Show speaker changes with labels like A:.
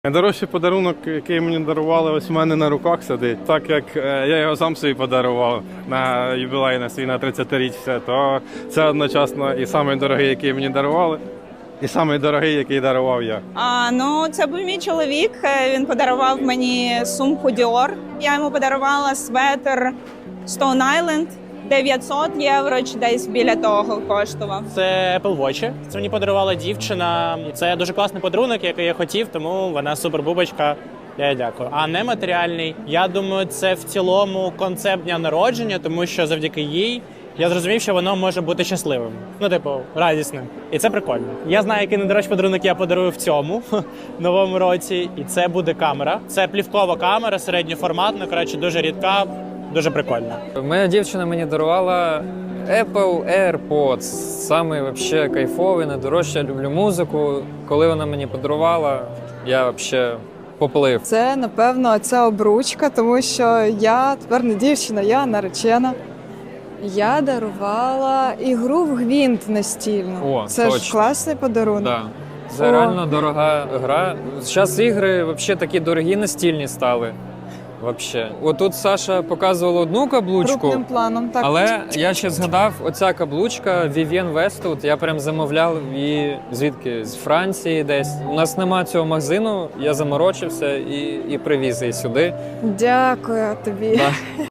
A: Найдорожчий подарунок, який мені дарували, ось у мене на руках сидить. Так як я його сам собі подарував на ювілей на свій на 30-річчя, то це одночасно і самий дорогий, який мені дарували, і самий дорогий, який дарував я.
B: Це був мій чоловік. Він подарував мені сумку Dior. Я йому подарувала светр Stone Island. 900 євро чи десь біля того коштував.
C: Це Apple Watch. Це мені подарувала дівчина. І це дуже класний подарунок, який я хотів, тому вона супер-бубочка. Я їй дякую. А нематеріальний, я думаю, це в цілому концепт дня народження, тому що завдяки їй я зрозумів, що воно може бути щасливим. Радісним. І це прикольно. Я знаю, який найдорожчий подарунок я подарую в цьому новому році. І це буде камера. Це плівкова камера, середньоформатна, дуже рідка. Дуже прикольно.
D: Моя дівчина мені дарувала Apple AirPods. Самий вообще кайфовий, найдорожче. Я люблю музику. Коли вона мені подарувала, я вообще поплив.
E: Це, напевно, ця обручка, тому що я тепер не дівчина, я наречена. Я дарувала ігру в гвинт настільну.
D: О,
E: це
D: точно.
E: ж класний подарунок.
D: Да. Це реально дорога гра. Зараз ігри вообще такі дорогі настільні стали. Вообще. Отут Саша показувала одну каблучку,
E: Крупним планом, так.
D: але я ще згадав, оця каблучка Vivienne Westwood, я прям замовляв її звідки? З Франції десь. У нас нема цього магазину, я заморочився і привіз її сюди.
E: Дякую тобі.
D: Да.